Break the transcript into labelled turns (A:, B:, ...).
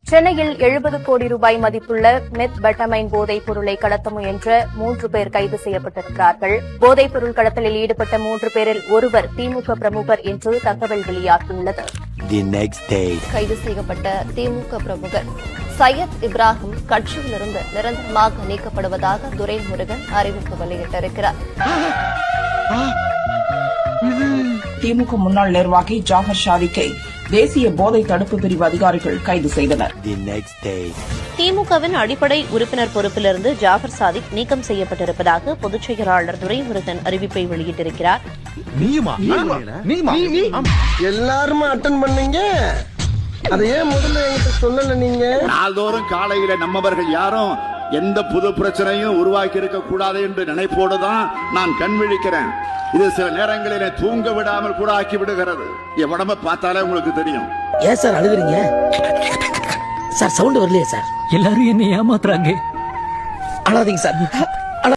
A: சென்னையில் 70 கோடி ரூபாய் மதிப்புள்ள மெத்பெட்டமைன் போதைப் பொருளை கடத்த முயன்ற 3 பேர் கைது செய்யப்பட்டிருக்கிறார்கள். போதைப் பொருள் கடத்தலில் ஈடுபட்ட 3 பேரில் ஒருவர் திமுக பிரமுகர் என்று தகவல் வெளியாகியுள்ளது. கைது செய்யப்பட்ட திமுக பிரமுகர் சையத் இப்ராஹிம் கட்சியிலிருந்து நிரந்தரமாக நீக்கப்படுவதாக துரைமுருகன் அறிவிப்பு வெளியிட்டிருக்கிறார்.
B: திமுக முன்னாள் நிர்வாகி ஜாஃபர் ஷாரிக்கை தேசிய போதை தடுப்பு பிரிவு அதிகாரிகள் கைது செய்தனர்.
C: திமுகவின் அடிப்படை உறுப்பினர் பொறுப்பிலிருந்து ஜாஃபர் சாதிக் நீக்கம் செய்யப்பட்டிருப்பதாக பொதுச் செயலாளர் துரைமுருகன் அறிவிப்பை வெளியிட்டிருக்கிறார்.
D: எல்லாருமே அட்டன் பண்ணீங்க, அதையே முதல்ல என்கிட்ட சொல்லல. நீங்க
E: நாள்தோறும் காலையில நம்மவர்கள் யாரும் எந்த புது பிரச்சனையும் உருவாக்கி இருக்க கூடாது என்று நினைப்போடு தான் நான் கண் விழிக்கிறேன். இது சில நேரங்களிலே தூங்க விடாமல் கூட ஆக்கி விடுகிறது. என் உடம்ப பார்த்தாலே உங்களுக்கு தெரியும்.
F: ஏன் சார் அழுகுறீங்க? சார் சவுண்ட் வரலையே சார்.
G: எல்லாரும் என்ன ஏமாத்துறாங்க.
F: அழாதீங்க சார்.